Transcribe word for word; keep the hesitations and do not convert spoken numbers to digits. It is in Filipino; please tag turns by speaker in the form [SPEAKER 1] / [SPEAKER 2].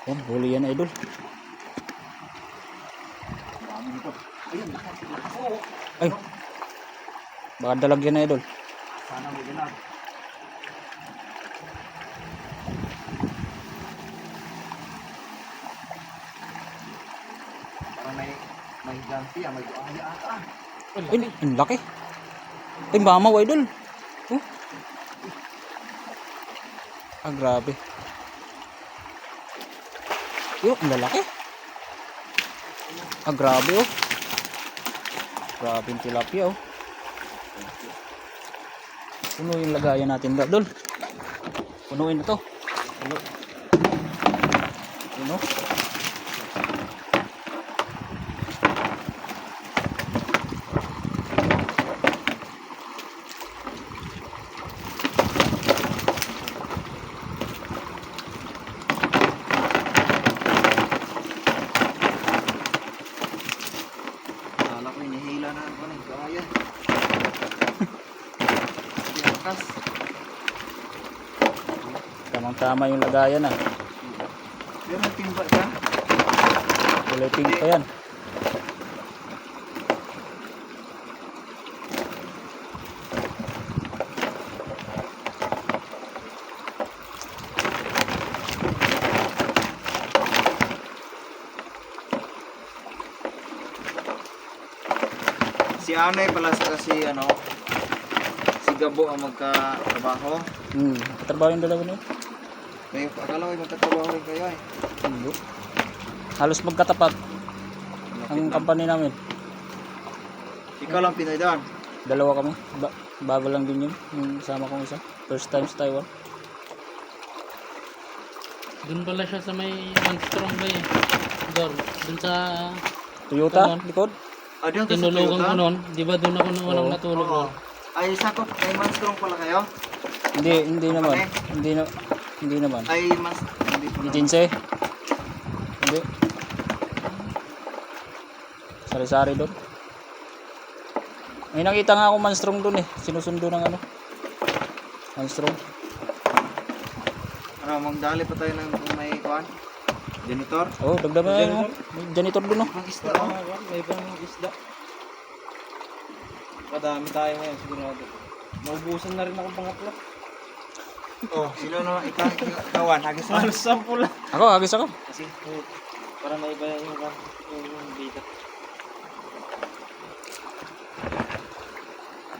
[SPEAKER 1] Yan, huli yan idol.
[SPEAKER 2] Dami nito. Ayun, lakas, lakas. Oo.
[SPEAKER 1] Ay, baka dalag yan idol.
[SPEAKER 2] Sana may dalag. Parang may may ganti ah, may buhaya ata ah.
[SPEAKER 1] Ay, ang laki. Ay, mamaw idol. Oh. Ah, grabe. Yo, ang lalaki. Ah, grabe oh. Grabe yung tilapia oh. Puno yung lagayan natin idol. Punuin na to. Puno. Puno.
[SPEAKER 2] Kala ko inihila na ako ng gaya. Tinakas.
[SPEAKER 1] Tamang tama yung lagayan ah.
[SPEAKER 2] Pero may timba ka.
[SPEAKER 1] Kulay pink pa yan.
[SPEAKER 2] Si Anay pala sa kasi ano, si Gabo ang magkatrabaho.
[SPEAKER 1] Hmm, katrabaho yung dalawa na yun.
[SPEAKER 2] May akala ko ay magkatrabaho rin kayo eh.
[SPEAKER 1] Hindi. Halos magkatapat ang company namin.
[SPEAKER 2] Ikaw lang Pinoy doon.
[SPEAKER 1] Dalawa kami. Ba bago lang din yun. Yung sama kong isa. First time sa Taiwan.
[SPEAKER 3] Doon pala siya sa may Manstrong ba eh. Dor, doon sa
[SPEAKER 1] Toyota,
[SPEAKER 3] Kanon.
[SPEAKER 1] likod.
[SPEAKER 2] Ah, doon ka sa
[SPEAKER 3] tinulugan
[SPEAKER 2] Toyota?
[SPEAKER 3] ko noon. Di ba doon ako nung walang
[SPEAKER 1] Oo.
[SPEAKER 3] natulog
[SPEAKER 2] Oo.
[SPEAKER 3] noon?
[SPEAKER 2] Ay, sakot. Ay, Manstrong pala kayo?
[SPEAKER 1] Hindi, hindi naman.
[SPEAKER 2] Okay.
[SPEAKER 1] Hindi na hindi naman.
[SPEAKER 2] Ay, mas... Hindi po
[SPEAKER 1] Di
[SPEAKER 2] naman.
[SPEAKER 1] Jinse. Hindi. Sari-sari doon. May nakita nga ako Manstrong doon eh. Sinusundo ng ano. Manstrong.
[SPEAKER 2] Ano, magdali pa tayo ng kung may kuhan? Janitor?
[SPEAKER 1] Oh, dagdagan na yun. oh. May janitor doon oh.
[SPEAKER 2] Ang isda, oh.
[SPEAKER 3] May ibang isda. Kadami tayo ngayon sigurado. Naubusan na rin ako pangatlo.
[SPEAKER 2] Oh, sino naman ikaw? Kawan, hagis na.
[SPEAKER 3] Halos sampu lang.
[SPEAKER 1] Ako, agis ako.
[SPEAKER 2] Kasi,
[SPEAKER 3] Para may iba yung, yung, yung bita.